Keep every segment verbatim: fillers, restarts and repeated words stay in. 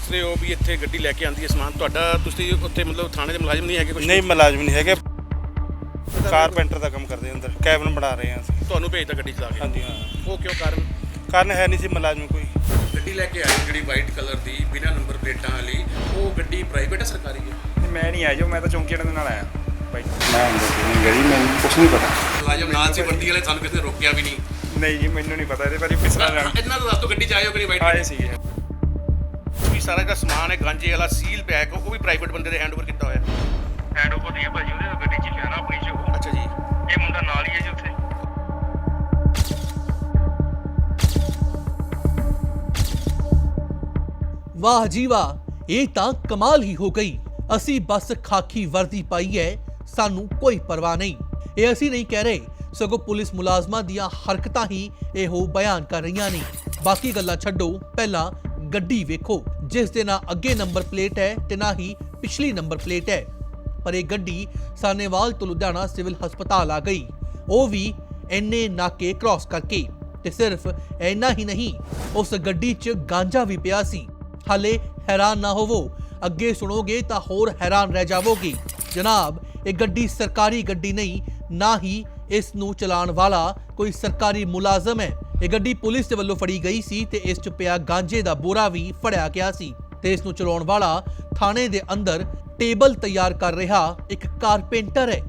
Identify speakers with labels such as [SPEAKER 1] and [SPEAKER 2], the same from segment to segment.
[SPEAKER 1] ਦੱਸ ਰਹੇ ਹੋ ਵੀ ਇੱਥੇ ਗੱਡੀ ਲੈ ਕੇ ਆਉਂਦੀ ਹੈ ਸਮਾਨ ਤੁਹਾਡਾ, ਤੁਸੀਂ ਉੱਥੇ ਮਤਲਬ ਥਾਣੇ ਦੇ ਮੁਲਾਜ਼ਮ ਨਹੀਂ ਹੈਗੇ ਕੁਝ?
[SPEAKER 2] ਨਹੀਂ ਮੁਲਾਜ਼ਮ ਨਹੀਂ ਹੈਗੇ, ਕਾਰਪੈਂਟਰ ਦਾ ਕੰਮ ਕਰਦੇ ਅੰਦਰ, ਕੈਬਨ ਬਣਾ ਰਹੇ ਹਾਂ ਅਸੀਂ।
[SPEAKER 1] ਤੁਹਾਨੂੰ ਭੇਜਦਾ ਗੱਡੀ ਚਲਾ ਕੇ?
[SPEAKER 2] ਹਾਂਜੀ ਹਾਂ।
[SPEAKER 1] ਉਹ ਕਿਉਂ ਕਾਰਨ?
[SPEAKER 2] ਕਾਰਨ ਹੈ ਨਹੀਂ ਸੀ ਮੁਲਾਜ਼ਮ ਕੋਈ।
[SPEAKER 1] ਗੱਡੀ ਲੈ ਕੇ ਆਈ ਜਿਹੜੀ ਵਾਈਟ ਕਲਰ ਦੀ ਬਿਨਾਂ ਨੰਬਰ ਪਲੇਟਾਂ ਵਾਲੀ, ਉਹ ਗੱਡੀ ਪ੍ਰਾਈਵੇਟ ਹੈ ਸਰਕਾਰੀ ਹੈ?
[SPEAKER 3] ਮੈਂ ਨਹੀਂ ਆਇਆ ਜੋ, ਮੈਂ ਤਾਂ ਚੌਂਕੀ ਵਾਲੇ ਦੇ ਨਾਲ ਆਇਆ ਬਾਈ।
[SPEAKER 4] ਮੈਂ ਅੰਦਰ ਨਹੀਂ ਗਈ, ਮੈਨੂੰ ਕੁਛ ਨਹੀਂ ਪਤਾ।
[SPEAKER 1] ਮੁਲਾਜ਼ਮ ਨਾਲ ਸੀ ਵਰਦੀ ਵਾਲੇ, ਸਾਨੂੰ ਕਿਸੇ ਨੇ ਰੋਕਿਆ ਵੀ ਨਹੀਂ?
[SPEAKER 3] ਨਹੀਂ ਜੀ ਮੈਨੂੰ ਨਹੀਂ ਪਤਾ ਇਹਦੇ ਬਾਰੇ, ਪਿਛਲਾ ਜਾਣਾ
[SPEAKER 1] ਇਹਨਾਂ ਦਾ ਦੱਸ ਤੋਂ ਗੱਡੀ ਚ ਆਏ ਹੋ ਕਿ ਨਹੀਂ? ਵਾਈਟ
[SPEAKER 3] ਆਏ ਸੀਗੇ।
[SPEAKER 1] ਵੀ ਸਾਰਾ ਜਿਹੜਾ ਸਮਾਨ ਹੈ ਗਾਂਜੇ ਵਾਲਾ ਸੀਲ ਪੈਕ, ਉਹ ਵੀ ਪ੍ਰਾਈਵੇਟ ਬੰਦੇ ਦੇ ਹੈਂਡਓਵਰ ਕੀਤਾ ਹੋਇਆ?
[SPEAKER 3] ਹੈਂਡ ਓਵਰ ਨਹੀਂ ਹੈ ਭਾਜੀ, ਉਹਦੇ ਤਾਂ ਗੱਡੀ 'ਚ ਲਿਆ ਨਾ ਆਪਣੀ 'ਚ ਉਹ।
[SPEAKER 1] ਅੱਛਾ ਜੀ।
[SPEAKER 3] ਇਹ ਮੁੰਡਾ ਨਾਲ ਹੀ ਹੈ ਜੀ ਉੱਥੇ।
[SPEAKER 5] ਵਾਹ ਜੀ ਵਾਹ, ਇਹ ਤਾਂ ਕਮਾਲ ਹੀ ਹੋ ਗਈ। ਅਸੀਂ ਬਸ ਖਾਕੀ ਵਰਦੀ ਪਾਈ ਹੈ, ਸਾਨੂੰ ਕੋਈ ਪਰਵਾਹ ਨਹੀਂ। ਇਹ ਅਸੀਂ ਨਹੀਂ ਕਹਿ ਰਹੇ, ਸਗੋਂ ਪੁਲਿਸ ਮੁਲਾਜ਼ਮਾਂ ਦੀਆਂ ਹਰਕਤਾਂ ਹੀ ਇਹੋ ਬਿਆਨ ਕਰ ਰਹੀਆਂ ਨੇ। ਬਾਕੀ ਗੱਲਾਂ ਛੱਡੋ, ਪਹਿਲਾਂ ਗੱਡੀ ਵੇਖੋ ਜਿਸ ਦੇ ਨਾ ਅੱਗੇ ਨੰਬਰ ਪਲੇਟ ਹੈ ਤੇ ਨਾ ਹੀ ਪਿਛਲੀ ਨੰਬਰ ਪਲੇਟ ਹੈ। ਪਰ ਇਹ ਗੱਡੀ ਸਾਨੇਵਾਲ ਤੋਂ ਲੁਧਿਆਣਾ ਸਿਵਲ ਹਸਪਤਾਲ ਆ ਗਈ, ਉਹ ਵੀ ਇੰਨੇ ਨਾਕੇ ਕ੍ਰਾਸ ਕਰਕੇ। ਤੇ ਸਿਰਫ ਇੰਨਾ ਹੀ ਨਹੀਂ, ਉਸ ਗੱਡੀ 'ਚ ਗਾਂਜਾ ਵੀ ਪਿਆ ਸੀ। ਹਾਲੇ ਹੈਰਾਨ ਨਾ ਹੋਵੋ, ਅੱਗੇ ਸੁਣੋਗੇ ਤਾਂ ਹੋਰ ਹੈਰਾਨ ਰਹਿ ਜਾਵੋਗੇ। ਜਨਾਬ, ਇਹ ਗੱਡੀ ਸਰਕਾਰੀ ਗੱਡੀ ਨਹੀਂ, ਨਾ ਹੀ ਇਸ ਨੂੰ ਚਲਾਉਣ ਵਾਲਾ ਕੋਈ ਸਰਕਾਰੀ ਮੁਲਾਜ਼ਮ ਹੈ। ਇਹ ਗੱਡੀ ਪੁਲਿਸ ਦੇ ਵੱਲੋਂ ਫੜੀ ਗਈ ਸੀ ਤੇ ਇਸ 'ਚ ਪਿਆ ਗਾਂਜੇ ਦਾ ਬੋਰਾ ਵੀ ਫੜਿਆ ਗਿਆ ਸੀ ਤੇ ਇਸ ਨੂੰ ਚਲਾਉਣ ਵਾਲਾ ਥਾਣੇ ਦੇ ਅੰਦਰ ਟੇਬਲ ਤਿਆਰ ਕਰ ਰਿਹਾ ਇੱਕ ਕਾਰਪੈਂਟਰ ਹੈ।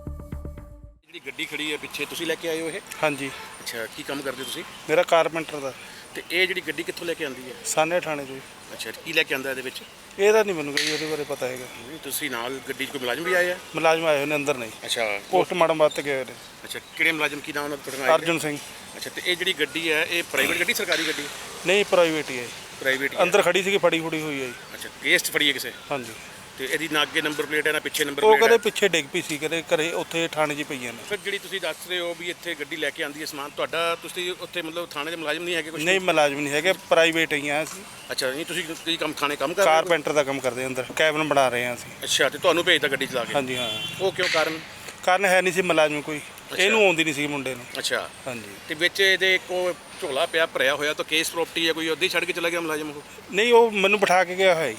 [SPEAKER 1] ਜਿਹੜੀ ਗੱਡੀ ਖੜੀ ਹੈ ਪਿੱਛੇ, ਤੁਸੀਂ ਲੈ ਕੇ ਆਏ ਹੋ ਇਹ?
[SPEAKER 2] ਹਾਂਜੀ।
[SPEAKER 1] ਅੱਛਾ, ਕੀ ਕੰਮ ਕਰਦੇ ਹੋ ਤੁਸੀਂ?
[SPEAKER 2] ਮੇਰਾ ਕਾਰਪੈਂਟਰ ਦਾ।
[SPEAKER 1] ਤੇ ਇਹ ਜਿਹੜੀ ਗੱਡੀ ਕਿੱਥੋਂ ਲੈ ਕੇ ਆਉਂਦੀ ਹੈ?
[SPEAKER 2] ਸਾਨੇ ਥਾਣੇ ਤੋਂ।
[SPEAKER 1] ਅੱਛਾ, ਕੀ ਲੈ ਕੇ ਆਂਦਾ ਇਹਦੇ ਵਿੱਚ?
[SPEAKER 2] ਇਹਦਾ ਨਹੀਂ ਮੈਨੂੰ ਕੋਈ ਉਹਦੇ ਬਾਰੇ ਪਤਾ ਹੈਗਾ।
[SPEAKER 1] ਨਹੀਂ, ਤੁਸੀਂ ਨਾਲ ਗੱਡੀ 'ਚ ਕੋਈ ਮੁਲਾਜ਼ਮ ਵੀ ਆਏ ਆ?
[SPEAKER 2] ਮੁਲਾਜ਼ਮ ਆਏ ਹੋਏ ਨੇ ਅੰਦਰ, ਨਹੀਂ
[SPEAKER 1] ਅੱਛਾ।
[SPEAKER 2] ਪੋਸਟਮਾਰਟਮ ਵਾਸਤੇ ਗਏ ਹੋਏ ਨੇ।
[SPEAKER 1] ਅੱਛਾ, ਕਿਹੜੇ ਮੁਲਾਜ਼ਮ, ਕੀ ਨਾਮ ਉਹਨਾਂ ਦਾ? ਤੁਹਾਡਾ
[SPEAKER 2] ਅਰਜੁਨ ਸਿੰਘ।
[SPEAKER 1] ਅੱਛਾ, ਤੇ ਇਹ ਜਿਹੜੀ ਗੱਡੀ ਹੈ ਇਹ ਪ੍ਰਾਈਵੇਟ ਗੱਡੀ ਸਰਕਾਰੀ ਗੱਡੀ?
[SPEAKER 2] ਨਹੀਂ ਪ੍ਰਾਈਵੇਟ ਹੀ ਹੈ।
[SPEAKER 1] ਪ੍ਰਾਈਵੇਟ ਹੀ
[SPEAKER 2] ਅੰਦਰ ਖੜੀ ਸੀਗੀ, ਫੜੀ ਫੁੜੀ ਹੋਈ ਹੈ ਜੀ।
[SPEAKER 1] ਅੱਛਾ, ਕੇਸ ਫੜੀ ਹੈ ਕਿਸੇ?
[SPEAKER 2] ਹਾਂਜੀ।
[SPEAKER 1] ਤੇ ਇਹਦੀ ਨਾ ਅੱਗੇ ਨੰਬਰ ਪਲੇਟ ਹੈ ਨਾ ਪਿੱਛੇ ਨੰਬਰ
[SPEAKER 2] ਉਹ
[SPEAKER 1] ਪਲੇਟ
[SPEAKER 2] ਕਦੇ
[SPEAKER 1] ਹੈ?
[SPEAKER 2] ਪਿੱਛੇ ਡਿੱਗ ਪਈ ਸੀ, ਕਦੇ ਘਰੇ ਉੱਥੇ ਥਾਣੇ 'ਚ ਪਈਆਂ ਨੇ।
[SPEAKER 1] ਫਿਰ ਜਿਹੜੀ ਤੁਸੀਂ ਦੱਸ ਰਹੇ ਹੋ ਵੀ ਇੱਥੇ ਗੱਡੀ ਲੈ ਕੇ ਆਉਂਦੀ ਹੈ ਸਮਾਨ ਤੁਹਾਡਾ, ਤੁਸੀਂ ਉੱਥੇ ਮਤਲਬ ਥਾਣੇ ਦੇ ਮੁਲਾਜ਼ਮ ਨਹੀਂ ਹੈਗੇ ਕੁਝ?
[SPEAKER 2] ਨਹੀਂ ਮੁਲਾਜ਼ਮ ਨਹੀਂ ਹੈਗੇ, ਪ੍ਰਾਈਵੇਟ ਹੀ ਆ ਅਸੀਂ।
[SPEAKER 1] ਅੱਛਾ, ਨਹੀਂ ਤੁਸੀਂ ਕੀ ਕੰਮ, ਥਾਣੇ ਕੰਮ ਕਰ ਰਹੇ ਹੋ?
[SPEAKER 2] ਕਾਰਪੈਂਟਰ ਦਾ ਕੰਮ ਕਰਦੇ ਅੰਦਰ, ਕੈਬਨ ਬਣਾ ਰਹੇ ਹਾਂ ਅਸੀਂ।
[SPEAKER 1] ਅੱਛਾ, ਤੇ ਤੁਹਾਨੂੰ ਭੇਜਦਾ ਗੱਡੀ ਚਲਾ ਕੇ?
[SPEAKER 2] ਹਾਂਜੀ ਹਾਂ।
[SPEAKER 1] ਉਹ ਕਿਉਂ ਕਾਰਨ?
[SPEAKER 2] ਕਾਰਨ ਹੈ ਨਹੀਂ ਸੀ ਮੁਲਾਜ਼ਮ ਕੋਈ, ਇਹਨੂੰ ਆਉਂਦੀ ਨਹੀਂ ਸੀ ਮੁੰਡੇ ਨੂੰ।
[SPEAKER 1] ਅੱਛਾ।
[SPEAKER 2] ਹਾਂਜੀ।
[SPEAKER 1] ਤੇ ਵਿੱਚ ਇਹਦੇ ਇੱਕ ਉਹ ਝੋਲਾ ਪਿਆ ਭਰਿਆ ਹੋਇਆ, ਤਾਂ ਕੇਸ ਪ੍ਰਾਪਰਟੀ ਹੈ ਕੋਈ, ਉੱਦਾਂ ਹੀ ਛੱਡ ਕੇ ਚਲਾ ਗਿਆ ਮੁਲਾਜ਼ਮ ਉਹ?
[SPEAKER 2] ਨਹੀਂ, ਉਹ ਮੈਨੂੰ ਬਿਠਾ ਕੇ ਗਿਆ ਹੋਇਆ ਜੀ।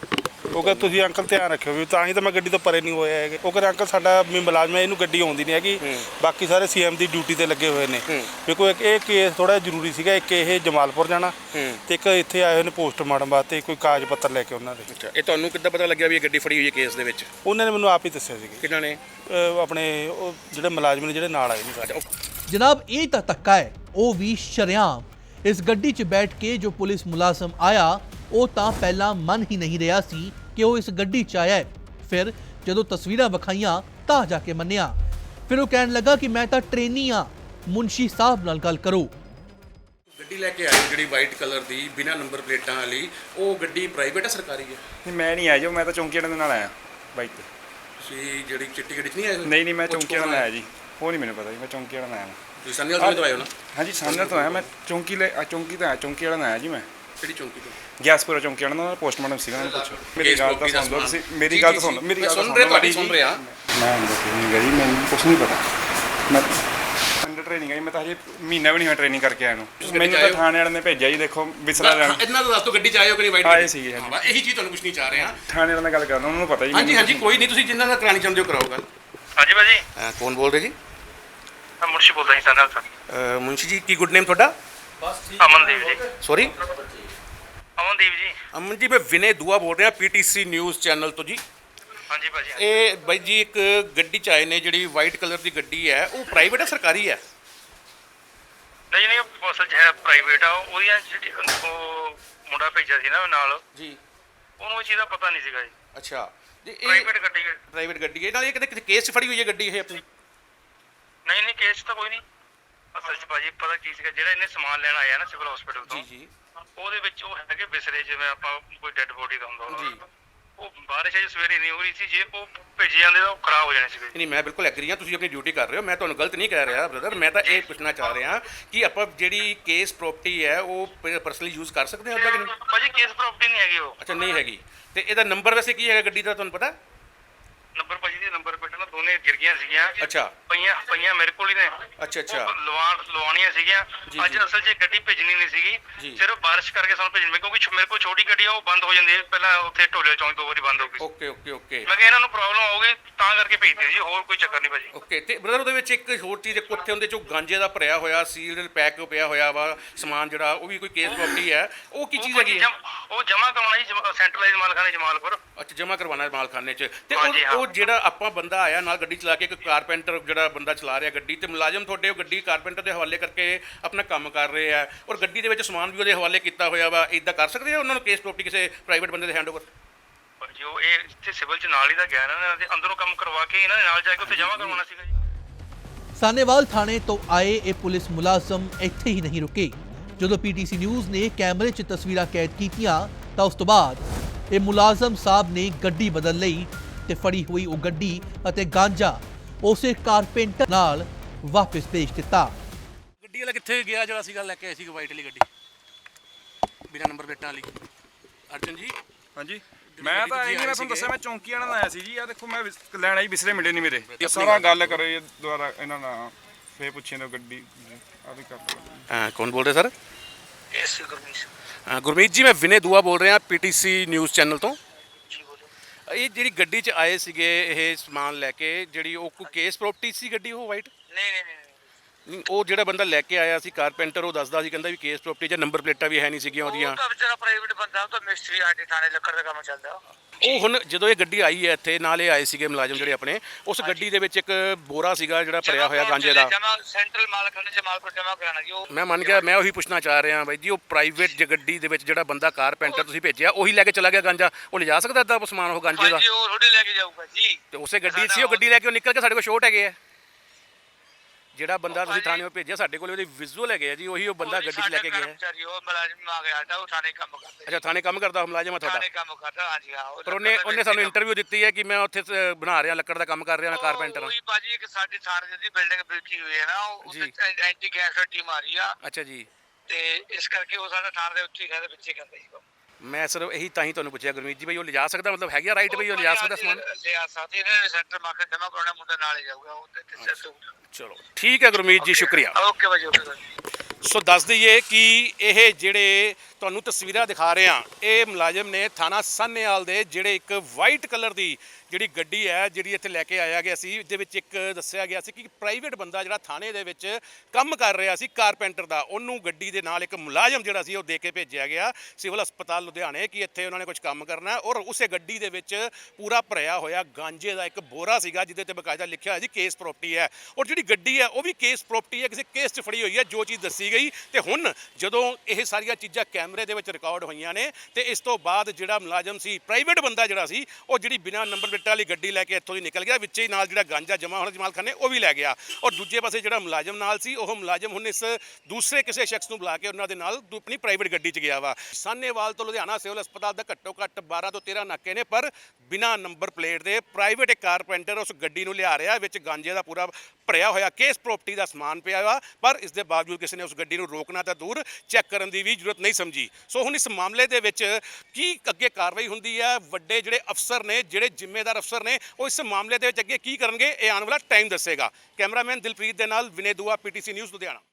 [SPEAKER 2] ਉਹ ਕਹਿੰਦਾ ਤੁਸੀਂ ਅੰਕਲ ਧਿਆਨ ਰੱਖਿਓ, ਵੀ ਤਾਂ ਹੀ ਤਾਂ ਮੈਂ ਗੱਡੀ ਤੋਂ ਪਰੇ ਨਹੀਂ ਹੋਇਆ ਹੈਗਾ। ਉਹ ਕਹਿੰਦਾ ਅੰਕਲ ਸਾਡਾ ਵੀ ਮੁਲਾਜ਼ਮ ਹੈ, ਇਹਨੂੰ ਗੱਡੀ ਆਉਂਦੀ ਨਹੀਂ ਹੈਗੀ, ਬਾਕੀ ਸਾਰੇ ਸੀਐਮ ਦੀ ਡਿਊਟੀ ਤੇ ਲੱਗੇ ਹੋਏ ਨੇ। ਵੇਖੋ ਇੱਕ ਇਹ ਕੇਸ ਥੋੜਾ ਜ਼ਰੂਰੀ ਸੀਗਾ, ਇੱਕ ਇਹ ਜਮਾਲਪੁਰ ਜਾਣਾ ਤੇ ਇੱਕ ਇੱਥੇ ਆਏ ਹੋਏ ਨੇ ਪੋਸਟਮਾਰਟਮ ਵਾਸਤੇ, ਕੋਈ ਕਾਗਜ਼ ਪੱਤਰ ਲੈ ਕੇ ਉਹਨਾਂ ਦੇ।
[SPEAKER 1] ਅੱਛਾ, ਇਹ ਤੁਹਾਨੂੰ ਕਿੱਦਾਂ ਪਤਾ ਲੱਗਿਆ ਵੀ ਇਹ ਗੱਡੀ ਫੜੀ ਹੋਈ ਹੈ ਕੇਸ ਦੇ ਵਿੱਚ?
[SPEAKER 2] ਉਹਨਾਂ ਨੇ ਮੈਨੂੰ ਆਪ ਹੀ ਦੱਸਿਆ ਸੀਗਾ।
[SPEAKER 1] ਕਿਹਨਾਂ ਨੇ?
[SPEAKER 2] ਅਹ ਆਪਣੇ ਉਹ ਜਿਹੜੇ ਮੁਲਾਜ਼ਮ ਨੇ ਜਿਹੜੇ ਨਾਲ ਆਏ ਨੇ ਸਾਡੇ।
[SPEAKER 5] ਜਨਾਬ, ਇਹ ਤਾਂ ਧੱਕਾ ਹੈ, ਉਹ ਵੀ ਸ਼ਰੇਆਮ। ਇਸ ਗੱਡੀ 'ਚ ਬੈਠ ਕੇ ਜੋ ਪੁਲਿਸ ਮੁਲਾਜ਼ਮ ਆਇਆ, ਉਹ ਤਾਂ ਪਹਿਲਾਂ ਮੰਨ ਹੀ ਨਹੀਂ ਰਿਹਾ ਸੀ ਕਿ ਉਹ ਇਸ ਗੱਡੀ 'ਚ ਆਇਆ ਹੈ। ਫਿਰ ਜਦੋਂ ਤਸਵੀਰਾਂ ਵਿਖਾਈਆਂ ਤਾਂ ਜਾ ਕੇ ਮੰਨਿਆ। ਫਿਰ ਉਹ ਕਹਿਣ ਲੱਗਾ ਕਿ ਮੈਂ ਤਾਂ ਟ੍ਰੇਨੀ ਆ, ਮੁਨਸ਼ੀ ਸਾਹਿਬ ਨਾਲ ਗੱਲ ਕਰੋ।
[SPEAKER 1] ਗੱਡੀ ਲੈ ਕੇ ਆਈ ਜਿਹੜੀ ਵਾਈਟ ਕਲਰ ਦੀ ਬਿਨਾਂ ਨੰਬਰ ਪਲੇਟਾਂ ਵਾਲੀ, ਉਹ ਗੱਡੀ ਪ੍ਰਾਈਵੇਟ ਹੈ ਸਰਕਾਰੀ ਹੈ?
[SPEAKER 3] ਨਹੀਂ ਮੈਂ ਨਹੀਂ ਆਇਆ ਜੋ, ਮੈਂ ਤਾਂ ਚੌਂਕੀ ਵਾਲੇ ਦੇ ਨਾਲ ਆਇਆ ਬਾਈਕ ਤੇ।
[SPEAKER 1] ਤੁਸੀਂ ਜਿਹੜੀ ਚਿੱਟੀ ਗੱਡੀ 'ਚ ਨਹੀਂ ਆਏ?
[SPEAKER 3] ਨਹੀਂ ਨਹੀਂ ਮੈਂ ਚੌਂਕੀ ਵਾਲਾ ਆਇਆ ਜੀ, ਉਹ ਨਹੀਂ ਮੈਨੂੰ ਪਤਾ ਜੀ, ਮੈਂ ਚੌਂਕੀ ਵਾਲਾ ਆਇਆ।
[SPEAKER 1] ਤੁਸੀਂ ਸੰਨੀ ਵਾਲੇ ਤੋਂ ਆਏ ਹੋ ਨਾ?
[SPEAKER 3] ਹਾਂਜੀ ਸਾਹਮਣੇ ਤੋਂ ਆਇਆ ਮੈਂ, ਚੌਂਕੀ ਲੈ ਚੌਂਕੀ ਤੋਂ ਆਇਆ, ਚੌਂਕੀ ਵਾਲਾ ਆਇਆ ਜੀ ਮੈਂ।
[SPEAKER 1] ਕਿਹੜੀ ਚੌਂਕੀ ਤੋਂ?
[SPEAKER 3] ਗਿਆਸਪੁਰਾ ਚੌਂਕੀ ਵਾਲਾ ਦਾ ਪੋਸਟਮਾਰਟਮ ਸੀਗਾ, ਮੈਨੂੰ ਪੁੱਛੋ। ਮੇਰੀ ਗੱਲ ਤਾਂ ਸੁਣ ਲਓ ਤੁਸੀਂ, ਮੇਰੀ ਗੱਲ ਤਾਂ ਸੁਣ ਲਓ, ਮੇਰੀ ਗੱਲ
[SPEAKER 1] ਸੁਣ ਰਹੇ, ਤੁਹਾਡੀ ਸੁਣ ਰਿਹਾ।
[SPEAKER 4] ਮੈਂ ਅੰਦਰ ਨਹੀਂ ਗਈ, ਮੈਨੂੰ ਕੁਛ ਨਹੀਂ ਪਤਾ। ਮੈਂ
[SPEAKER 3] ਅੰਡਰ ਟ੍ਰੇਨਿੰਗ ਹੈ ਜੀ, ਮੈਂ ਤਾਂ ਹਜੇ ਮਹੀਨਾ ਵੀ ਨਹੀਂ ਹੋਇਆ ਟ੍ਰੇਨਿੰਗ ਕਰਕੇ ਆਇਆ ਨੂੰ। ਮੈਨੂੰ ਤਾਂ ਥਾਣੇ ਵਾਲਿਆਂ ਨੇ ਭੇਜਿਆ ਜੀ, ਦੇਖੋ ਵਿਸਲਾ ਜਾਣਾ।
[SPEAKER 1] ਇਹਨਾਂ ਦਾ ਦੱਸ ਤੋਂ ਗੱਡੀ 'ਚ ਆਏ ਹੋ ਕਿ ਨਹੀਂ? ਵਾਈਟ
[SPEAKER 3] ਆਏ ਸੀਗੇ।
[SPEAKER 1] ਹਾਂ, ਇਹੀ ਚੀਜ਼ ਤੁਹਾਨੂੰ ਪੁੱਛਣੀ ਚਾਹ ਰਹੇ ਹਾਂ।
[SPEAKER 3] ਥਾਣੇ ਵਾਲਿਆਂ ਨਾਲ ਗੱਲ ਕਰਨਾ, ਉਹਨਾਂ ਨੂੰ ਪਤਾ ਜੀ।
[SPEAKER 1] ਹਾਂਜੀ ਹਾਂਜੀ, ਕੋਈ ਨਹੀਂ, ਤੁਸੀਂ ਜਿੰਨਾਂ ਨਾਲ ਕਰਾਣੀ ਚਾਹੁੰਦੇ ਹੋ ਕਰਾਓ ਗੱਲ।
[SPEAKER 3] ਹਾਂਜੀ ਭਾਜੀ।
[SPEAKER 1] ਕੌਣ ਬੋਲ ਰਹੇ ਜੀ?
[SPEAKER 3] ਮੈਂ ਮੁਰਸ਼ੀ ਬੋਲਦਾ ਜੀ ਸਾਨਾ ਸਰ।
[SPEAKER 1] ਮੁੰਸ਼ੀ ਜੀ, ਕੀ ਗੁੱਡ ਨੇਮ ਤੁਹਾਡਾ?
[SPEAKER 3] ਅਮਨਦੀਪ ਜੀ।
[SPEAKER 1] ਸੌਰੀ?
[SPEAKER 3] ਅਮਨਦੀਪ ਜੀ।
[SPEAKER 1] ਅਮਨ ਜੀ, ਮੈਂ ਵਿਨੇ ਦੂਆ ਬੋਲ ਰਿਹਾ ਪੀਟੀਸੀ ਨਿਊਜ਼ ਚੈਨਲ ਤੋਂ ਜੀ।
[SPEAKER 3] ਹਾਂਜੀ ਭਾਜੀ।
[SPEAKER 1] ਇਹ ਬਾਈ ਜੀ ਇੱਕ ਗੱਡੀ 'ਚ ਆਏ ਨੇ, ਜਿਹੜੀ ਵਾਈਟ ਕਲਰ ਦੀ ਗੱਡੀ ਹੈ, ਉਹ ਪ੍ਰਾਈਵੇਟ ਹੈ ਸਰਕਾਰੀ ਹੈ?
[SPEAKER 3] ਨਹੀਂ ਨਹੀਂ, ਅਸਲ 'ਚ ਹੈ ਪ੍ਰਾਈਵੇਟ ਆ। ਉਹਦੀਆਂ ਜਿਹੜੀ ਉਹ ਮੁੰਡਾ ਭੇਜਿਆ ਸੀ ਨਾ ਨਾਲ
[SPEAKER 1] ਜੀ,
[SPEAKER 3] ਉਹਨੂੰ ਇਹ ਚੀਜ਼ ਦਾ ਪਤਾ ਨਹੀਂ ਸੀਗਾ ਜੀ।
[SPEAKER 1] ਅੱਛਾ ਜੀ। ਇਹ
[SPEAKER 3] ਪ੍ਰਾਈਵੇਟ ਗੱਡੀ ਹੈ।
[SPEAKER 1] ਪ੍ਰਾਈਵੇਟ ਗੱਡੀ ਹੈ ਨਾਲ, ਇਹ ਕਿਤੇ ਕਿਸੇ ਕੇਸ 'ਚ ਫੜੀ ਹੋਈ ਹੈ ਗੱਡੀ ਇਹ ਆਪਣੀ?
[SPEAKER 3] ਨਹੀਂ ਨਹੀਂ, ਕੇਸ ਤਾਂ ਕੋਈ ਨਹੀਂ। ਅਸਲ 'ਚ ਭਾਜੀ ਪਤਾ ਕੀ ਸੀਗਾ, ਜਿਹੜਾ ਇਹਨੇ ਸਮਾਨ ਲੈਣ ਆਇਆ ਨਾ ਸਿਵਲ ਹਸਪੀਟਲ ਤੋਂ,
[SPEAKER 1] ਜੀ ਜੀ,
[SPEAKER 3] ਉਹਦੇ ਵਿੱਚ ਉਹ ਹੈਗੇ ਵਿਸਰੇ, ਜਿਵੇਂ ਆਪਾਂ ਕੋਈ ਡੈੱਡ ਬੋਡੀ ਦਾ ਹੁੰਦਾ
[SPEAKER 1] ਜੀ।
[SPEAKER 3] ਉਹ ਬਾਰਿਸ਼ ਅਜੇ ਸਵੇਰੇ ਨਹੀਂ ਹੋ ਰਹੀ ਸੀ, ਜੇ ਉਹ ਭੇਜੀ ਜਾਂਦੇ ਤਾਂ ਉਹ ਖਰਾਬ ਹੋ ਜਾਣੇ ਸੀਗੇ।
[SPEAKER 1] ਨਹੀਂ, ਮੈਂ ਬਿਲਕੁਲ ਐਗਰੀ ਹਾਂ, ਤੁਸੀਂ ਆਪਣੀ ਡਿਊਟੀ ਕਰ ਰਹੇ ਹੋ, ਮੈਂ ਤੁਹਾਨੂੰ ਗਲਤ ਨਹੀਂ ਕਹਿ ਰਿਹਾ ਬ੍ਰਦਰ। ਮੈਂ ਤਾਂ ਇਹ ਪੁੱਛਣਾ ਚਾਹ ਰਿਹਾ ਕਿ ਆਪਾਂ ਜਿਹੜੀ ਕੇਸ ਪ੍ਰਾਪਰਟੀ ਹੈ ਉਹ ਪਰਸਨਲੀ ਯੂਜ਼ ਕਰ ਸਕਦੇ ਹਾਂ ਉੱਦਾਂ ਕਿ ਨਹੀਂ?
[SPEAKER 3] ਭਾਜੀ ਕੇਸ ਪ੍ਰਾਪਰਟੀ ਨਹੀਂ ਹੈਗੀ ਉਹ।
[SPEAKER 1] ਅੱਛਾ, ਨਹੀਂ ਹੈਗੀ। ਤੇ ਇਹਦਾ ਨੰਬਰ ਵੈਸੇ ਕੀ ਹੈਗਾ ਗੱਡੀ ਦਾ, ਤੁਹਾਨੂੰ ਪਤਾ?
[SPEAKER 3] ਨੰਬਰ ਭਾਜੀ ਦੇ ਨੰਬਰ ਪਲੇਟਾਂ ਨਾ ਦੋਨੇ ਗਿਰ ਗਈਆਂ ਸੀਗੀਆਂ।
[SPEAKER 1] ਅੱਛਾ
[SPEAKER 3] ਪਈਆਂ ਪਈਆਂ ਮੇਰੇ ਕੋਲ ਹੀ ਨੇ।
[SPEAKER 1] ਅੱਛਾ ਅੱਛਾ
[SPEAKER 3] ਉਹ ਲਵਾ ਲਵਾਉਣੀਆਂ ਸੀਗੀਆਂ।
[SPEAKER 1] ਜੀ,
[SPEAKER 3] ਅੱਜ
[SPEAKER 1] ਜੀ।
[SPEAKER 3] ਅਸਲ 'ਚ ਗੱਡੀ ਭੇਜਣੀ ਨਹੀਂ
[SPEAKER 1] ਜੀ।
[SPEAKER 3] ਸੀਗੀ, ਸਿਰਫ ਬਾਰਿਸ਼ ਕਰਕੇ ਸਾਨੂੰ ਭੇਜਣੀ, ਕਿਉਂਕਿ ਛ- ਮੇਰੇ ਕੋਲ ਛੋਟੀ ਗੱਡੀ ਆ, ਉਹ ਬੰਦ ਹੋ ਜਾਂਦੀ ਹੈ। ਪਹਿਲਾਂ ਉੱਥੇ ਢੋਲੇ ਚੌਂਕ ਦੋ ਵਾਰੀ ਬੰਦ ਹੋ ਗਈ ਸੀ।
[SPEAKER 1] ਓਕੇ ਓਕੇ ਓਕੇ
[SPEAKER 3] ਮੈਂ ਕਿਹਾ ਇਹਨਾਂ ਨੂੰ ਪ੍ਰੋਬਲਮ ਆਊਗੀ ਤਾਂ ਕਰਕੇ ਭੇਜਦੇ ਜੀ, ਹੋਰ ਕੋਈ ਚੱਕਰ ਨਹੀਂ ਭਾਜੀ।
[SPEAKER 1] ਓਕੇ ਤੇ ਬ੍ਰਦਰ ਉਹਦੇ ਵਿੱਚ ਇੱਕ ਹੋਰ ਚੀਜ਼ ਇੱਕ ਉੱਥੇ ਉਹਦੇ ਚੋਂ ਗਾਂਜੇ ਦਾ ਭਰਿਆ ਹੋਇਆ ਸੀਲਡ ਪੈਕ ਪਿਆ ਹੋਇਆ ਵਾ ਸਮਾਨ, ਜਿਹੜਾ ਉਹ ਵੀ ਕੋਈ ਕੇਸ ਪ੍ਰਾਪਰਟੀ ਹੈ, ਉਹ ਕੀ ਚੀਜ਼ ਹੈਗੀ ਹੈ?
[SPEAKER 3] ਜਮ- ਉਹ ਜਮ੍ਹਾਂ ਕਰਾਉਣਾ ਜੀ ਸੈਂਟਰਲਾਈਜ਼ ਮਾਲਖਾਨੇ ਜਮਾਲਪੁਰ।
[SPEAKER 1] ਅੱਛਾ ਜਮ੍ਹਾਂ ਕਰਵਾਉਣਾ ਹੈ ਮਾਲਖਾਨੇ 'ਚ। ਤੇ
[SPEAKER 3] ਹਾਂਜੀ,
[SPEAKER 1] ਉਹ
[SPEAKER 3] ਹਾਂ।
[SPEAKER 1] ਉਹ ਜਿਹੜਾ ਆਪਾਂ ਬੰਦਾ ਆਇਆ ਨਾਲ ਗੱਡੀ ਚਲਾ ਕੇ, ਇੱਕ ਕਾਰਪੈਂਟਰ ਜਿਹੜਾ ਬੰਦਾ ਚਲਾ ਰਿਹਾ ਗੱਡੀ, ਤੇ ਮੁਲਾਜ਼ਮ ਤੁਹਾਡੇ ਉਹ ਗੱਡੀ ਕਾਰਪੈਂਟਰ ਦੇ ਹਵਾਲੇ ਕਰਕੇ ਆਪਣਾ ਕੰਮ ਕਰ ਰਹੇ ਆ, ਔਰ ਗੱਡੀ ਦੇ ਵਿੱਚ ਸਮਾਨ ਵੀ ਉਹਦੇ ਹਵਾਲੇ ਕੀਤਾ ਹੋਇਆ ਵਾ, ਇਦਾਂ ਕਰ ਸਕਦੇ ਆ ਉਹਨਾਂ ਨੂੰ ਕੇਸ ਪ੍ਰਾਪਰਟੀ ਕਿਸੇ ਪ੍ਰਾਈਵੇਟ ਬੰਦੇ ਦੇ ਹੈਂਡਓਵਰ?
[SPEAKER 3] ਭਾਜੀ ਉਹ ਇਹ ਇੱਥੇ ਸਿਵਲ 'ਚ ਨਾਲ ਹੀ ਤਾਂ ਗਿਆ ਨਾ, ਤੇ ਅੰਦਰੋਂ ਕੰਮ ਕਰਵਾ ਕੇ ਇਹਨਾਂ ਦੇ ਨਾਲ ਜਾ ਕੇ ਉੱਥੇ ਜਮ੍ਹਾਂ ਕਰਵਾਉਣਾ ਸੀਗਾ ਜੀ।
[SPEAKER 5] ਸਾਨੇਵਾਲ ਥਾਣੇ ਤੋਂ ਆਏ ਇਹ ਪੁਲਿਸ ਮੁਲਾਜ਼ਮ ਇੱਥੇ ਹੀ ਨਹੀਂ ਰੁਕੇ। ਜਦੋਂ ਪੀਟੀਸੀ ਨਿਊਜ਼ ਨੇ ਕੈਮਰੇ 'ਚ ਤਸਵੀਰਾਂ ਕੈਦ ਕੀਤੀਆਂ ਤਾਂ ਉਸ ਤੋਂ ਬਾਅਦ ਇਹ ਮੁਲਾਜ਼ਮ ਸਾਹਿਬ ਨੇ ਗੱਡੀ ਬਦਲ ਲਈ ਤੇ ਫੜੀ ਹੋਈ ਉਹ ਗੱਡੀ ਅਤੇ ਗਾਂਜਾ ਉਸੇ ਕਾਰਪੈਂਟਰ ਨਾਲ ਵਾਪਸ ਭੇਜ ਦਿੱਤਾ।
[SPEAKER 6] ਗੱਡੀ ਵਾਲਾ ਕਿੱਥੇ ਗਿਆ ਜਿਹੜਾ ਸੀਗਾ ਲੈ ਕੇ ਆਏ ਸੀ ਵਾਈਟ ਵਾਲੀ ਗੱਡੀ ਬਿਨਾਂ ਨੰਬਰ ਪਲੇਟਾਂ ਵਾਲੀ? ਅਰਜਨ ਜੀ
[SPEAKER 4] ਹਾਂਜੀ ਮੈਂ ਤਾਂ ਇਹ ਨਹੀਂ, ਮੈਂ ਤੁਹਾਨੂੰ ਦੱਸਿਆ ਮੈਂ ਚੌਂਕੀ ਆਣਾ ਆਇਆ ਸੀ ਜੀ। ਆ ਦੇਖੋ ਮੈਂ ਵਿਸ- ਲੈਣ ਆਈ ਵਿਸਰੇ ਮਿਲੇ ਨਹੀਂ ਮੇਰੇ। ਇਹ ਸਾਰਾ ਗੱਲ ਕਰੋ ਇਹ ਦੁਆਰਾ ਇਹਨਾਂ ਨਾਲ, ਫੇਰ ਪੁੱਛੇ ਨੇ ਗੱਡੀ ਆ ਵੀ ਕਰ ਲਓ।
[SPEAKER 1] ਹਾਂ ਕੌਣ ਬੋਲ ਰਿਹਾ ਸਰ?
[SPEAKER 3] ਇਸ ਗੁਰਮੀਤ
[SPEAKER 1] ਹਾਂ ਗੁਰਮੀਤ ਜੀ, ਮੈਂ ਵਿਨੇ ਦੂਆ ਬੋਲ ਰਿਹਾ ਪੀਟੀਸੀ ਨਿਊਜ਼ ਚੈਨਲ ਤੋਂ।
[SPEAKER 3] ਜੀ ਬੋਲੋ।
[SPEAKER 1] ਇਹ ਜਿਹੜੀ ਗੱਡੀ 'ਚ ਆਏ ਸੀਗੇ ਇਹ ਸਮਾਨ ਲੈ ਕੇ, ਜਿਹੜੀ ਉਹ ਕੋਈ ਕੇਸ ਪ੍ਰਾਪਰਟੀ ਸੀ ਗੱਡੀ ਉਹ ਵਾਈਟ?
[SPEAKER 3] ਨਹੀਂ ਨਹੀਂ ਨਹੀਂ
[SPEAKER 1] ਨਹੀਂ, ਉਹ ਜਿਹੜਾ ਬੰਦਾ ਲੈ ਕੇ ਆਇਆ ਸੀ ਕਾਰਪੈਂਟਰ, ਉਹ ਦੱਸਦਾ ਸੀ, ਕਹਿੰਦਾ ਵੀ ਕੇਸ ਪ੍ਰਾਪਰਟੀ 'ਚ ਨੰਬਰ ਪਲੇਟਾਂ ਵੀ ਹੈ ਨਹੀਂ ਸੀਗੀਆਂ ਉਹਦੀਆਂ।
[SPEAKER 3] ਉਹ ਤਾਂ ਵਿਚਾਰਾ ਪ੍ਰਾਈਵੇਟ ਬੰਦਾ, ਉਹ ਤਾਂ ਮਿਸਤਰੀ ਸਾਡੇ ਥਾਣੇ ਲੱਕੜ ਦਾ ਕੰਮ ਚੱਲਦਾ।
[SPEAKER 1] ਉਹ ਹੁਣ ਜਦੋਂ ਇਹ ਗੱਡੀ ਆਈ ਹੈ ਇੱਥੇ, ਨਾਲ ਇਹ ਆਏ ਸੀਗੇ ਮੁਲਾਜ਼ਮ ਜਿਹੜੇ ਆਪਣੇ, ਉਸ ਗੱਡੀ ਦੇ ਵਿੱਚ ਇੱਕ ਬੋਰਾ ਸੀਗਾ ਜਿਹੜਾ ਭਰਿਆ ਹੋਇਆ ਗਾਂਜੇ ਦਾ।
[SPEAKER 3] ਜਮਾ ਸੈਂਟਰਲ ਮਾਲਖਾਨੇ ਜਮਾਲਪੁਰ ਜਮਾ ਕਰਾਣਾ ਜੀ। ਉਹ
[SPEAKER 1] ਮੈਂ ਮੰਨ ਗਿਆ, ਮੈਂ ਉਹੀ ਪੁੱਛਣਾ ਚਾਹ ਰਿਹਾ ਬਾਈ ਜੀ, ਉਹ ਪ੍ਰਾਈਵੇਟ ਗੱਡੀ ਦੇ ਵਿੱਚ ਜਿਹੜਾ ਬੰਦਾ ਕਾਰਪੈਂਟਰ ਤੁਸੀਂ ਭੇਜਿਆ ਉਹੀ ਲੈ ਕੇ ਚਲਾ ਗਿਆ ਗਾਂਜਾ, ਉਹ ਲਿਜਾ ਸਕਦਾ ਏਦਾਂ ਸਮਾਨ ਉਹ ਗਾਂਜੇ ਦਾ?
[SPEAKER 3] ਹਾਂਜੀ ਉਹ ਥੋੜੀ ਲੈ ਕੇ ਜਾਊਗਾ ਜੀ।
[SPEAKER 1] ਤੇ ਉਸੇ ਗੱਡੀ 'ਚ ਸੀ ਉਹ ਗੱਡੀ ਲੈ ਕੇ ਉਹ ਨਿਕਲ ਕੇ ਸਾਡੇ ਕੋਲ ਸ਼ੋਟ ਹੈਗੇ ਆ। ਜਿਹੜਾ ਬੰਦਾ ਤੁਸੀਂ ਥਾਣੇ 'ਤੇ ਭੇਜਿਆ ਸਾਡੇ ਕੋਲ ਉਹਦੇ ਵਿਜ਼ੂਅਲ ਹੈਗੇ ਆ ਜੀ, ਉਹੀ ਉਹ ਬੰਦਾ ਗੱਡੀ 'ਚ ਲੈ ਕੇ ਗਿਆ ਹੈ।
[SPEAKER 3] ਕਰਮਚਾਰੀ ਉਹ ਮੁਲਾਜ਼ਮ ਆ ਗਿਆ ਸਾਡਾ, ਉਹ ਥਾਣੇ ਕੰਮ ਕਰਦਾ।
[SPEAKER 1] ਅੱਛਾ ਥਾਣੇ ਕੰਮ ਕਰਦਾ ਮੁਲਾਜ਼ਮ ਆ ਤੁਹਾਡਾ?
[SPEAKER 3] ਥਾਣੇ ਕੰਮ ਕਰਦਾ ਹਾਂਜੀ ਹਾਂ। ਉਹ
[SPEAKER 1] ਪਰ ਉਹਨੇ ਉਹਨੇ ਸਾਨੂੰ ਇੰਟਰਵਿਊ ਦਿੱਤੀ ਹੈ ਕਿ ਮੈਂ ਉੱਥੇ ਸ- ਬਣਾ ਰਿਹਾ, ਲੱਕੜ ਦਾ ਕੰਮ ਕਰ ਰਿਹਾ, ਮੈਂ ਕਾਰਪੈਂਟਰ ਹਾਂ।
[SPEAKER 3] ਉਹੀ ਬਾਜੀ ਇੱਕ ਸਾਡੇ ਥਾਣੇ ਦੀ ਬਿਲਡਿੰਗ ਬਿਲਕੀ ਹੋਈ ਹੈ ਨਾ, ਉਹ
[SPEAKER 1] ਜੀ।
[SPEAKER 3] ਐਂਟੀ ਗੈਂਗਸਟਰ ਟੀਮ ਆ ਰਹੀ ਆ,
[SPEAKER 1] ਅੱਛਾ ਜੀ।
[SPEAKER 3] ਤੇ ਇਸ ਕਰਕੇ ਉਹ ਸਾਡਾ ਥਾਣੇ ਦੇ ਉੱਤੇ ਹੀ ਕਹਿੰਦੇ ਪਿੱਛੇ ਕਰਦਾ ਜੀ।
[SPEAKER 1] ਮੈਂ ਸਿਰਫ ਇਹੀ ਤਾਂ ਹੀ ਤੁਹਾਨੂੰ ਪੁੱਛਿਆ ਗੁਰਮੀਤ ਜੀ, ਬਈ ਉਹ ਲਿਜਾ ਸਕਦਾ, ਮਤਲਬ ਹੈਗਾ ਰਾਈਟ ਬਈ ਉਹ ਲਿਜਾ ਸਕਦਾ ਸਮਾਨ?
[SPEAKER 3] ਲਿਆ ਸਕਦੇ ਇਹਨਾਂ ਨੇ ਸੈਂਟਰ ਮਾਰਕੀਟ ਜਮਾ ਕਰਾਉਣਾ, ਮੁੰਡਾ ਨਾਲ ਹੀ ਜਾਊਗਾ ਉਹ ਤੇ ਸੈੱਟ ਹੋ।
[SPEAKER 1] ਚਲੋ ਠੀਕ ਹੈ ਗੁਰਮੀਤ ਜੀ, ਸ਼ੁਕਰੀਆ।
[SPEAKER 3] ਓਕੇ ਬਾਜੀ ਓਕੇ ਬਾਜੀ।
[SPEAKER 1] ਸੋ ਦੱਸ ਦਈਏ ਕਿ ਇਹ ਜਿਹੜੇ ਤੁਹਾਨੂੰ ਤਸਵੀਰਾਂ ਦਿਖਾ ਰਹੇ ਹਾਂ, ਇਹ ਮੁਲਾਜ਼ਮ ਨੇ ਥਾਣਾ ਸਾਹਨੇਵਾਲ ਦੇ, ਜਿਹੜੇ ਇੱਕ ਵਾਈਟ ਕਲਰ ਦੀ ਜਿਹੜੀ ਗੱਡੀ ਹੈ ਜਿਹੜੀ ਇੱਥੇ ਲੈ ਕੇ ਆਇਆ ਗਿਆ ਸੀ, ਇਹਦੇ ਵਿੱਚ ਇੱਕ ਦੱਸਿਆ ਗਿਆ ਸੀ ਕਿ ਪ੍ਰਾਈਵੇਟ ਬੰਦਾ ਜਿਹੜਾ ਥਾਣੇ ਦੇ ਵਿੱਚ ਕੰਮ ਕਰ ਰਿਹਾ ਸੀ ਕਾਰਪੈਂਟਰ ਦਾ, ਉਹਨੂੰ ਗੱਡੀ ਦੇ ਨਾਲ ਇੱਕ ਮੁਲਾਜ਼ਮ ਜਿਹੜਾ ਸੀ ਉਹ ਦੇ ਕੇ ਭੇਜਿਆ ਗਿਆ ਸਿਵਲ ਹਸਪਤਾਲ ਲੁਧਿਆਣੇ ਕਿ ਇੱਥੇ ਉਹਨਾਂ ਨੇ ਕੁਝ ਕੰਮ ਕਰਨਾ ਹੈ। ਔਰ ਉਸੇ ਗੱਡੀ ਦੇ ਵਿੱਚ ਪੂਰਾ ਭਰਿਆ ਹੋਇਆ ਗਾਂਜੇ ਦਾ ਇੱਕ ਬੋਰਾ ਸੀਗਾ, ਜਿਹਦੇ ਤੇ ਬਕਾਇਦਾ ਲਿਖਿਆ ਹੋਇਆ ਸੀ ਕੇਸ ਪ੍ਰਾਪਰਟੀ ਹੈ। ਔਰ ਜਿਹੜੀ ਗੱਡੀ ਹੈ ਉਹ ਵੀ ਕੇਸ ਪ੍ਰਾਪਰਟੀ ਹੈ, ਕਿਸੇ ਕੇਸ 'ਚ ਫੜੀ ਹੋਈ ਹੈ ਜੋ ਚੀਜ਼ ਦੱਸੀ ਗਈ। ਤੇ ਹੁਣ ਜਦੋਂ ਇਹ ਸਾਰੀਆਂ ਚੀਜ਼ਾਂ ਕੈਮਰੇ ਦੇ ਵਿੱਚ ਰਿਕਾਰਡ ਹੋਈਆਂ ਨੇ, ਤੇ ਇਸ ਤੋਂ ਬਾਅਦ ਜਿਹੜਾ ਮੁਲਾਜ਼ਮ ਸੀ, ਪ੍ਰਾਈਵੇਟ ਬੰਦਾ ਜਿਹੜਾ ਸੀ, ਉਹ ਜਿਹੜੀ ਬਿਨਾਂ ਨੰਬਰ ਪਲੇਟਾਂ ਵਾਲੀ ਗੱਡੀ ਲੈ ਕੇ ਇੱਥੋਂ ਦੀ ਨਿਕਲ ਗਿਆ, ਵਿੱਚ ਹੀ ਨਾਲ ਜਿਹੜਾ ਗਾਂਜਾ ਜਮਾ ਹੋਣਾ ਜਮਾਲਖਾਨੇ ਉਹ ਵੀ ਲੈ ਗਿਆ। ਔਰ ਦੂਜੇ ਪਾਸੇ ਜਿਹੜਾ ਮੁਲਾਜ਼ਮ ਨਾਲ ਸੀ, ਉਹ ਮੁਲਾਜ਼ਮ ਹੁਣ ਇਸ ਦੂਸਰੇ ਕਿਸੇ ਸ਼ਖਸ ਨੂੰ ਬੁਲਾ ਕੇ ਉਹਨਾਂ ਦੇ ਨਾਲ ਆਪਣੀ ਪ੍ਰਾਈਵੇਟ ਗੱਡੀ 'ਚ ਗਿਆ ਵਾ। ਸਾਹਨੇਵਾਲ ਤੋਂ ਲੁਧਿਆਣਾ ਸਿਵਲ ਹਸਪਤਾਲ ਦਾ ਘੱਟੋ ਘੱਟ ਬਾਰਾਂ ਤੋਂ ਤੇਰਾਂ ਨਾਕੇ ਨੇ, ਪਰ ਬਿਨਾਂ ਨੰਬਰ ਪਲੇਟ ਦੇ ਪ੍ਰਾਈਵੇਟ ਇੱਕ ਕਾਰਪੈਂਟਰ ਉਸ ਗੱਡੀ ਨੂੰ ਲਿਆ ਰਿਹਾ, ਵਿੱਚ ਗਾਂਜੇ ਦਾ ਪੂਰਾ ਭਰਿਆ ਹੋਇਆ ਕੇਸ ਪ੍ਰਾਪਰਟੀ ਦਾ ਸਮਾਨ ਪਿਆ ਵਾ, ਪਰ ਇਸ ਦੇ ਬਾਵਜੂਦ ਕਿਸੇ ਨੇ ਉਸ ਗੱਡੀ ਨੂੰ ਰੋਕਣਾ ਤਾਂ ਦੂਰ ਚੈੱਕ ਕਰਨ ਦੀ ਵੀ ਜ਼ਰੂਰਤ ਨਹੀਂ ਸਮਝੀ। ਸੋ ਹੁਣ ਇਸ ਮਾਮਲੇ ਦੇ ਵਿੱਚ ਕੀ ਅੱਗੇ ਕਾਰਵਾਈ ਹੁੰਦੀ ਹੈ, ਵੱਡੇ ਜਿਹੜੇ ਅਫਸਰ ਨੇ, ਜਿਹੜੇ ਜ਼ਿੰਮੇਦਾਰ ਅਫਸਰ ਨੇ, ਉਹ ਇਸ ਮਾਮਲੇ ਦੇ ਵਿੱਚ ਅੱਗੇ ਕੀ ਕਰਨਗੇ, ਇਹ ਆਉਣ ਵਾਲਾ ਟਾਈਮ ਦੱਸੇਗਾ। ਕੈਮਰਾਮੈਨ ਦਿਲਪ੍ਰੀਤ ਦੇ ਨਾਲ ਵਿਨੇ ਦੂਆ, ਪੀਟੀਸੀ ਨਿਊਜ਼ ਲੁਧਿਆਣਾ।